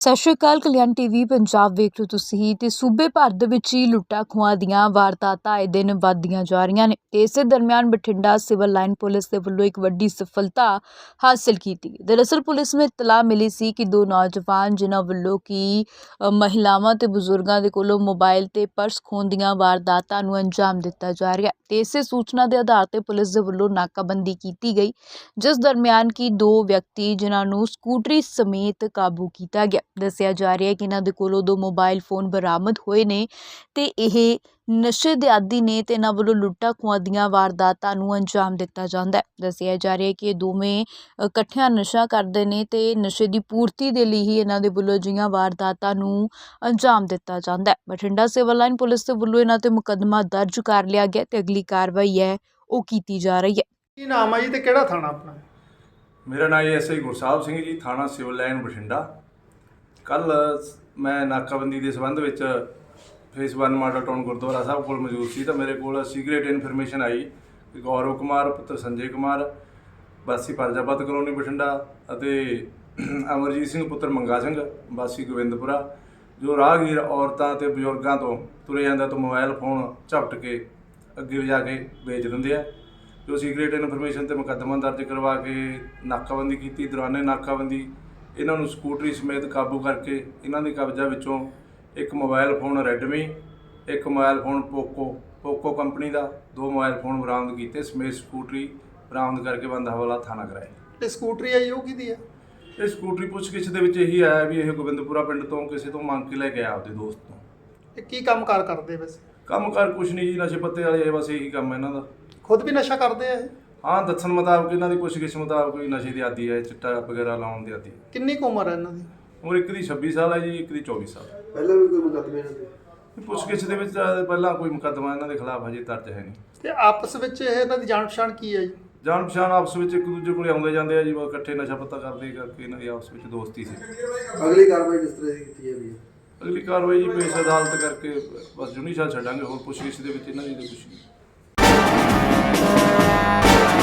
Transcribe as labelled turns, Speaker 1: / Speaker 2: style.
Speaker 1: ਸਤਿ ਸ਼੍ਰੀ ਅਕਾਲ। ਕਲਿਆਣ ਟੀਵੀ ਪੰਜਾਬ ਵੇਖ ਰਹੇ ਹੋ ਤੁਸੀਂ ਤੇ ਸੂਬੇ ਭਰ ਦੇ ਵਿੱਚ ਹੀ ਲੁੱਟਾਂ ਖੋਹਾਂ ਦੀਆਂ ਵਾਰਦਾਤਾਂ ਆਏ ਦਿਨ ਵੱਧਦੀਆਂ ਜਾ ਰਹੀਆਂ ਨੇ ਤੇ ਇਸੇ ਦਰਮਿਆਨ ਬਠਿੰਡਾ ਸਿਵਲ ਲਾਈਨ ਪੁਲਿਸ ਦੇ ਵੱਲੋਂ ਇੱਕ ਵੱਡੀ ਸਫਲਤਾ ਹਾਸਲ ਕੀਤੀ। ਦਰਅਸਲ ਪੁਲਿਸ ਨੂੰ ਇਤਲਾਹ ਮਿਲੀ ਸੀ ਕਿ ਦੋ ਨੌਜਵਾਨ ਜਿਨ੍ਹਾਂ ਵੱਲੋਂ ਕਿ ਮਹਿਲਾਵਾਂ ਤੇ ਬਜ਼ੁਰਗਾਂ ਦੇ ਕੋਲੋਂ ਮੋਬਾਈਲ ਤੇ ਪਰਸ ਖੋਹਣ ਦੀਆਂ ਵਾਰਦਾਤਾਂ ਨੂੰ ਅੰਜਾਮ ਦਿੱਤਾ ਜਾ ਰਿਹਾ ਤੇ ਇਸੇ ਸੂਚਨਾ ਦੇ ਆਧਾਰ ਤੇ ਪੁਲਿਸ ਦੇ ਵੱਲੋਂ ਨਾਕਾਬੰਦੀ ਕੀਤੀ ਗਈ, ਜਿਸ ਦਰਮਿਆਨ ਕਿ ਦੋ ਵਿਅਕਤੀ ਜਿਨ੍ਹਾਂ ਨੂੰ ਸਕੂਟਰੀ ਸਮੇਤ ਕਾਬੂ ਕੀਤਾ ਗਿਆ। ਦੱਸਿਆ ਜਾ ਰਿਹਾ ਹੈ ਕਿ ਇਹਨਾਂ ਦੇ ਕੋਲੋਂ ਦੋ ਮੋਬਾਈਲ ਫੋਨ ਬਰਾਮਦ ਹੋਏ ਨੇ ਤੇ ਇਹ ਨਸ਼ੇ ਦੇ ਆਦੀ ਨੇ ਤੇ ਇਹਨਾਂ ਵੱਲੋਂ ਲੁੱਟਾਂ ਖੋਹਾਂ ਦੀਆਂ ਵਾਰਦਾਤਾਂ ਨੂੰ ਅੰਜਾਮ ਦਿੱਤਾ ਜਾਂਦਾ ਹੈ। ਦੱਸਿਆ ਜਾ ਰਿਹਾ ਹੈ ਕਿ ਇਹ ਦੋਵੇਂ ਇਕੱਠਿਆਂ ਨਸ਼ਾ ਕਰਦੇ ਨੇ ਤੇ ਨਸ਼ੇ ਦੀ ਪੂਰਤੀ ਦੇ ਲਈ ਹੀ ਇਹਨਾਂ ਦੇ ਵੱਲੋਂ ਅਜਿਹੀਆਂ ਵਾਰਦਾਤਾਂ ਨੂੰ ਅੰਜਾਮ ਦਿੱਤਾ ਜਾਂਦਾ ਹੈ। ਬਠਿੰਡਾ ਸਿਵਲ ਲਾਈਨ ਪੁਲਿਸ ਦੇ ਵੱਲੋਂ ਇਹਨਾਂ ਤੇ ਮੁਕੱਦਮਾ ਦਰਜ ਕਰ ਲਿਆ ਗਿਆ ਤੇ ਅਗਲੀ ਕਾਰਵਾਈ ਹੈ ਉਹ ਕੀਤੀ ਜਾ ਰਹੀ ਹੈ।
Speaker 2: ਕੀ ਨਾਮ ਹੈ ਜੀ ਤੇ ਕਿਹੜਾ ਥਾਣਾ ਆਪਣਾ?
Speaker 3: ਮੇਰਾ ਨਾਮ ਐਸਆਈ ਗੁਰਸਾਹਿਬ ਸਿੰਘ ਜੀ, ਥਾਣਾ ਸਿਵਲ ਲਾਈਨ ਬਠਿੰਡਾ। ਕੱਲ ਮੈਂ ਨਾਕਾਬੰਦੀ ਦੇ ਸੰਬੰਧ ਵਿੱਚ ਫੇਸ 1 ਮਾਡਲ ਟਾਊਨ ਗੁਰਦੁਆਰਾ ਸਾਹਿਬ ਕੋਲ ਮੌਜੂਦ ਸੀ ਤਾਂ ਮੇਰੇ ਕੋਲ ਸੀਕ੍ਰੇਟ ਇਨਫੋਰਮੇਸ਼ਨ ਆਈ ਕਿ ਗੌਰਵ ਕੁਮਾਰ ਪੁੱਤਰ ਸੰਜੇ ਕੁਮਾਰ ਵਾਸੀ ਪਰਜਾਪਤ ਕਲੋਨੀ ਬਠਿੰਡਾ ਅਤੇ ਅਮਰਜੀਤ ਸਿੰਘ ਪੁੱਤਰ ਮੰਗਾ ਸਿੰਘ ਵਾਸੀ ਗੋਬਿੰਦਪੁਰਾ ਜੋ ਰਾਹਗੀਰ ਔਰਤਾਂ ਅਤੇ ਬਜ਼ੁਰਗਾਂ ਤੋਂ ਤੁਰੇ ਜਾਂਦੇ ਤੋਂ ਮੋਬਾਈਲ ਫੋਨ ਝਪਟ ਕੇ ਅੱਗੇ ਲਿਜਾ ਕੇ ਵੇਚ ਦਿੰਦੇ ਆ। ਜੋ ਸੀਕ੍ਰੇਟ ਇਨਫੋਰਮੇਸ਼ਨ 'ਤੇ ਮੁਕੱਦਮਾ ਦਰਜ ਕਰਵਾ ਕੇ ਨਾਕਾਬੰਦੀ ਕੀਤੀ। ਦੌਰਾਨੇ ਨਾਕਾਬੰਦੀ ਇਹਨਾਂ ਨੂੰ ਸਕੂਟਰੀ ਸਮੇਤ ਕਾਬੂ ਕਰਕੇ ਇਹਨਾਂ ਦੇ ਕਬਜ਼ਾ ਵਿੱਚੋਂ ਇੱਕ ਮੋਬਾਈਲ ਫੋਨ ਰੈਡਮੀ, ਇੱਕ ਮੋਬਾਈਲ ਫੋਨ ਪੋਕੋ ਕੰਪਨੀ ਦਾ, ਦੋ ਮੋਬਾਈਲ ਫੋਨ ਬਰਾਮਦ ਕੀਤੇ ਸਮੇਤ ਸਕੂਟਰੀ ਬਰਾਮਦ ਕਰਕੇ ਬੰਦ ਹਵਾਲਾ ਥਾਣਾ ਕਰਾਇਆ।
Speaker 2: ਇਹ ਸਕੂਟਰੀ ਆਈ ਉਹ ਕਿਹਦੀ ਆ?
Speaker 3: ਇਹ ਸਕੂਟਰੀ ਪੁੱਛਗਿੱਛ ਦੇ ਵਿੱਚ ਇਹੀ ਆਇਆ ਵੀ ਇਹ ਗੋਬਿੰਦਪੁਰਾ ਪਿੰਡ ਤੋਂ ਕਿਸੇ ਤੋਂ ਮੰਗ ਕੇ ਲੈ ਕੇ ਆਇਆ ਆਪਦੇ ਦੋਸਤ ਤੋਂ।
Speaker 2: ਇਹ ਕੀ ਕੰਮਕਾਰ ਕਰਦੇ ਵੈਸੇ?
Speaker 3: ਕੰਮਕਾਰ ਕੁਛ ਨਹੀਂ ਜੀ, ਨਸ਼ੇ ਪੱਤੇ ਵਾਲੇ ਬਸ ਇਹੀ ਕੰਮ ਹੈ ਇਹਨਾਂ ਦਾ।
Speaker 2: ਖੁਦ ਵੀ ਨਸ਼ਾ ਕਰਦੇ ਆ ਇਹ?
Speaker 3: ਹਾਂ, ਦੱਸਣ ਮੁਤਾਬਕ ਇਹਨਾਂ ਦੀ ਪੁੱਛਗਿੱਛ ਮੁਤਾਬਕ ਕੋਈ ਨਸ਼ੇ ਦੀ ਆਦੀ ਹੈ, ਚਿੱਟਾ ਵਗੈਰਾ ਲਾਉਣ ਦੀ ਆਦੀ ਹੈ।
Speaker 2: ਕਿੰਨੀ ਕੁ ਉਮਰ ਹੈ ਇਹਨਾਂ ਦੀ?
Speaker 3: ਉਮਰ ਇੱਕ ਦੀ 26 ਸਾਲ ਹੈ ਜੀ, ਇੱਕ ਦੀ 24 ਸਾਲ।
Speaker 4: ਪਹਿਲਾਂ ਵੀ ਕੋਈ ਮੁਕੱਦਮੇ ਇਹਨਾਂ ਦੇ?
Speaker 3: ਪੁੱਛਗਿੱਛ ਦੇ ਵਿੱਚ ਪਹਿਲਾਂ ਕੋਈ ਮੁਕੱਦਮਾ ਇਹਨਾਂ ਦੇ ਖਿਲਾਫ ਹਜੇ ਦਰਜ ਹੈ ਨਹੀਂ।
Speaker 2: ਤੇ ਆਪਸ ਵਿੱਚ ਇਹਨਾਂ ਦੀ ਜਾਣ ਪਛਾਣ ਕੀ ਹੈ ਜੀ?
Speaker 3: ਜਾਣ ਪਛਾਣ ਆਪਸ ਵਿੱਚ ਇੱਕ ਦੂਜੇ ਕੋਲ ਆਉਂਦੇ ਜਾਂਦੇ ਆ ਜੀ, ਇਕੱਠੇ ਨਸ਼ਾ ਪੱਤਾ ਕਰਦੇ ਕਰਕੇ ਇਹਨਾਂ ਦੀ ਆਪਸ ਵਿੱਚ ਦੋਸਤੀ ਸੀ।
Speaker 4: ਅਗਲੀ ਕਾਰਵਾਈ ਕਿਸ ਤਰ੍ਹਾਂ ਦੀ ਕੀਤੀ ਜਾਂਦੀ ਹੈ?
Speaker 3: ਅਗਲੀ ਕਾਰਵਾਈ ਜੀ ਪੇਸ਼ ਅਦਾਲਤ ਕਰਕੇ ਬਸ ਜੁਨੀ ਸਾਲ ਛੱਡਾਂਗੇ। ਹੋਰ ਪੁੱਛਗਿੱਛ ਦੇ ਵਿੱਚ ਇਹਨਾਂ ਦੀ ਤਾਂ ਕੁਛ ਨਹੀਂ।